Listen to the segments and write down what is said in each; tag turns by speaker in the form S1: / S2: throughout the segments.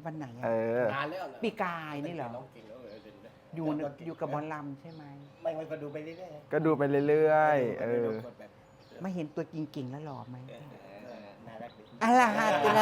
S1: วันไหน
S2: เอ
S1: อะ
S2: อ
S3: นานแล้วนะ
S1: ปีกายนี่เหรอ
S3: น้องเก่งแล้วเล่นได้
S1: อยู่กับบอลลัมใช่ไหม
S3: ไม่ก็ดูไปเรื่อยๆ
S2: ก็ดูไปเรื่อยๆ
S3: กดแบบ
S1: ไม่เห็นตัวจริงๆแล้วหล่อไหม
S3: น่ารักดี
S1: อะไรฮะตัวละ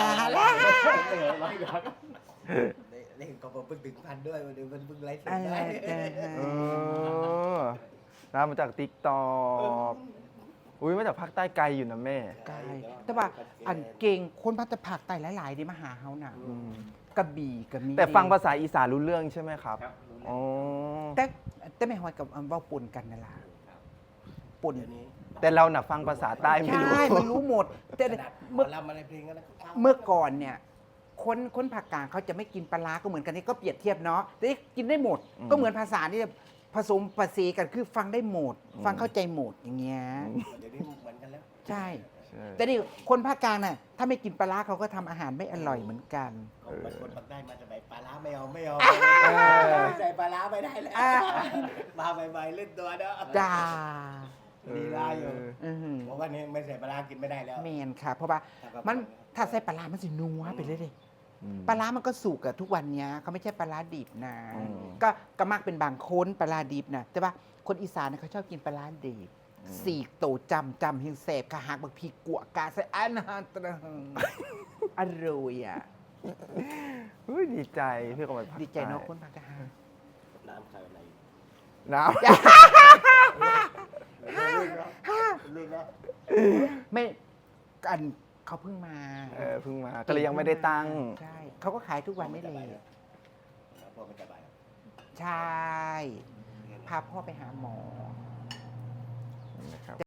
S3: เล่นก็เพิ่งถึงพันด้วยวันนี้มันเพิ่งไลฟ์สด
S1: อะไร
S3: ได้
S1: เจอ
S2: เออน้ามาจากติ๊กตอกอุ้ยมาจากภาคใต้ไกลอยู่นะแม่
S1: กายแต่ว่าอันเก่งคนพัฒผักไต่หลายๆดีมาหาเฮาน่ะกระบี่ก็มี
S2: แต่ฟังภาษาอีสานรู้เรื่องใช่ไหมครับ
S3: ครับรู้แล้ว
S2: อ๋อ
S1: แต่ไม่หอยกับเว้าปนกันนั่นล่ะปน
S3: เดี๋ยวนี้
S2: แต่เราน่ะฟังภาษาใต้ไม่รู้
S1: ใช่มันรู้หมด แต่
S3: ขนาดหม
S1: เมื่
S3: อ
S1: อ
S3: ลำอะไรเพลงอะไรก็ฟัง
S1: เมื่อก่อนเนี่ยคนภาคกลางเขาจะไม่กินปลาร้าก็เหมือนกันนี่ก็เปรียบเทียบเนาะแต่นี่กินได้หมด ก็เหมือนภาษาที่ผสมภาษีกันคือฟังได้หมด ฟังเข้าใจหมดอย่างเงี้ย
S3: เดี๋ยวนี้เหมือนกันแล้ว
S1: ใช่
S2: ใช่
S1: แต่นี่คนภาคกลางน่ะถ้าไม่กินปลาร้าเขาก็ทำอาหารไม่อร่อยเหมือนกัน
S3: ของบางคนบางได้มาจะใส่ปลาร้าไม่เอาไม่เอา
S2: อ
S3: ใส่ปลาร้าไม่ได้แล้ว
S1: อ่า
S3: มาใหม่ๆเล่นตัวเด้อ
S1: จ้า
S3: ลีลาอยู่
S1: อือหือ
S3: บอกว่านี่ไม่ใส่ปลาร้ากินไม่ได้แล้ว
S1: แมนค่ะ เพราะว่ามันถ้าใส่ปลาร้ามันสินัวไปเลยดิ
S2: อืม
S1: ปลาร้ามันก็สุกอะทุกวันเนี้ยเขาไม่ใช่ปลาร้าดิบนะ
S2: อืม
S1: ก็มักเป็นบางคนปลาร้าดิบนะแต่ว่าคนอีสานเนี่ยเขาชอบกินปลาร้าดิบสีกโตจำเฮงเสบกะหักบักพีกัวกาใส่อันฮันตระหึงอร่อยอะ
S2: อุ้ยดีใจพี่ก็มาภาค
S1: ดีใจเนาะ
S2: ใต้
S1: คนภาคกลาง
S3: น้ำใส่อะไร
S2: น้
S3: ลื่นนะ
S1: ไม่อันเขาเพิ่งมา
S2: ำเพิ่งมา ก็เลยยังไม่ได้ตั้ง
S1: ใช่เขาก็ขายทุกวันนี่เลย
S3: พวกมันจะไป
S1: ใช่ พาพ่อไปหาหมอ
S2: นะครับ